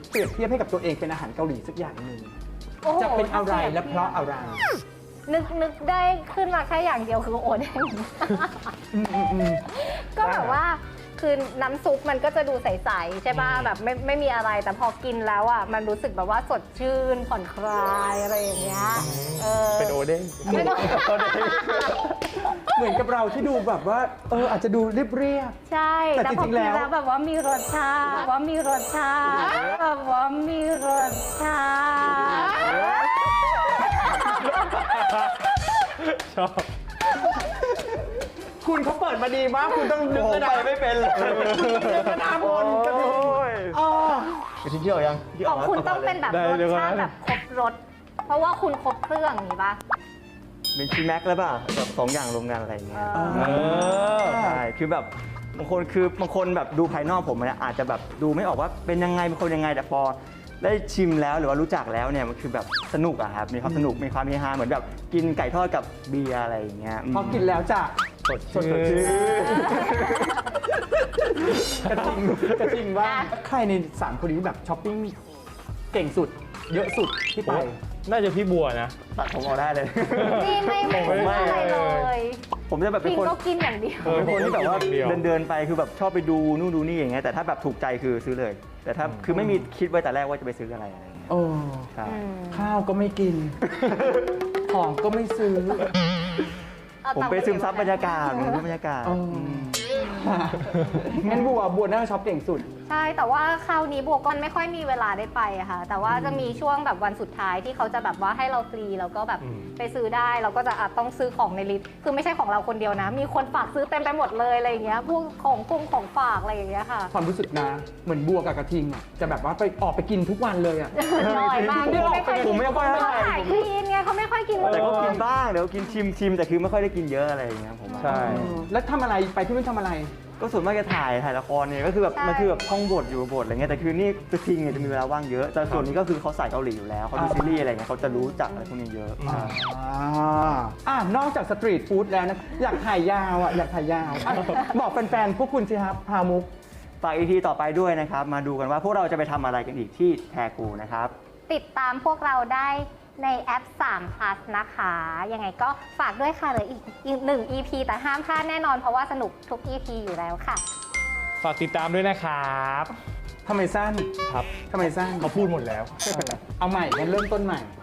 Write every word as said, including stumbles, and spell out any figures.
เปรียบเทียบให้กับตัวเองเป็นอาหารเกาหลีสักอย่างหนึ่งโอ้โหจะเป็นอะไรและเพราะอะไรนึกนึกได้ขึ้นมาแค่อย่างเดียวคือโอเด้งอืมอืมอืมก็แบบว่าคือน้ำซุปมันก็จะดูใสๆใช่ป่ะแบบไม่ไม่มีอะไรแต่พอกินแล้วอ่ะมันรู้สึกแบบว่าสดชื่นผ่อนคลายอะไรอย่างเงี้ยเออเป็นโอเด้งไม่ต้องเหมือนกับเราที่ดูแบบว่าเอออาจจะดูเรียบใช่แต่แต่พอจริกิงนๆแล้วแล้วแบบว่ามีรสชาติว่ามีรสชาติแบบว่ามีรสชาติชอบๆคุณเขาเปิดมาดีมากคุณต้องนึกผมระไปดับไม่เป็นเลยกระดาบนกระถิ่นยอ๋อกระทิงเกี่ยวยังของคุณต้องเป็นแบบได้รสเดี๋ยวก่อนชาติแบบครบรสเพราะว่าคุณครบเครื่องอย่างนี้ป่ะเป็นชีแม็กแล้วป่ะแบบสองอย่างรวมกันอะไรอย่างเงี้ยเออเออใช่คือแบบบางคนคือบางคนแบบดูภายนอกผมเนี่ยอาจจะแบบดูไม่ออกว่าเป็นยังไงเป็นคนยังไงแต่พอได้ชิมแล้วหรือว่ารู้จักแล้วเนี่ยมันคือแบบสนุกอะครับมีความสนุกมีความเฮฮาเหมือนแบบกินไก่ทอดกับเบียร์อะไรอย่างเงี้ยพอกินแล้วจะสดสดชื่นกระทิงกระทิงว่าใครในสามคนนี้แบบช้อปปิ้งเก่งสุด เยอะสุดที่ไปน่าจะพี่บัวนะตัดผมเอาได้เลยนี่ไม่ไม่ผมไม่ไม่อะไรเลยผมจะแบบเป็พินงคนก็กินอย่างเดียวเออเป็นคนที่แบบว่าผมก็กินอย่างเดียวเดินเดินๆไปคือแบบชอบไปดูนู่นดูนี่อย่างเงี้ยแต่ถ้าแบบถูกใจคือซื้อเลย แต่ถ้าคือไม่มีคิดไว้แต่แรกว่าจะไปซื้ออะไรอะไรอย่างเงี้ยโอ้ใช่อืมข้าวก็ไม่กิน ของก็ไม่ซื้อเอาผมตังค์ไปซึมซับบรรยากาศเอผมอดูบรรยากาศอ๋องั้นบัวบัวน่าจะช็อปเก่งสุดใช่แต่ว่าคราวนี้บวกก็ไม่ค่อยมีเวลาได้ไปอะค่ะ แต่ว่าจะมีช่วงแบบวันสุดท้ายที่เขาจะแบบว่าให้เราฟรีแล้วก็แบบอืมไปซื้อได้เราก็จะอาจต้องซื้อของในลิสต์คือไม่ใช่ของเราคนเดียวนะ มีคนฝากซื้อเต็มไปหมดเลยอะไรอย่างเงี้ยพวกของกงของฝากอะไรอย่างเงี้ยค่ะความรู้สึกนะ เหมือนบัวกับกระทิงอ่ะจะแบบว่าไปออกไปกินทุกวันเลยอ่ะน้อยมากผมไม่ค่อยผมไม่ค่อยเท่าเขาไหร่ขายคลีนไงเขาไม่ค่อยกินแต่ก็กินบ้างเดี๋ยวกินชิมชิมแต่คือไม่ค่อยได้กินเยอะอะไรอย่างเงี้ยผมว่าใช่แล้วทำอะไรไปที่นู่นทำอะไรก็ส่วนมากจะถ่ายถ่ายละครเนี่ยก็คือแบบมันคือแบบท่องบทอยู่บทอะไรเงี้ยแต่คือนี่กระทิงเนี่ยจะมีเวลาว่างเยอะแต่ส่วนนี้ก็คือเขาใส่เกาหลีอยู่แล้วเขาดูซีรีส์อะไรเงี้ยเขาจะรู้จักอะไรพวกนี้เยอะอ่าอ่าอ่านอกจากสตรีทฟู้ดแล้วนะ อยากถ่ายยาวอ่ะ อยากถ่ายยาวอ่ะบอกแฟนๆ พวกคุณสิครับ พามุกฝากอีพีต่อไปด้วยนะครับมาดูกันว่าพวกเราจะไปทำอะไรกันอีกที่แทกูนะครับติดตามพวกเราได้ในแอปสาม plus นะคะ ยังไงก็ฝากด้วยค่ะเหลืออีกอีกหนึ่ง อี พี แต่ห้ามพลาดแน่นอนเพราะว่าสนุกทุก อี พี อยู่แล้วค่ะฝากติดตามด้วยนะครับทำไมสั้นครับทำไมสั้นเขาพูดหมดแล้วเอาใหม่งั้นเริ่มต้นใหม่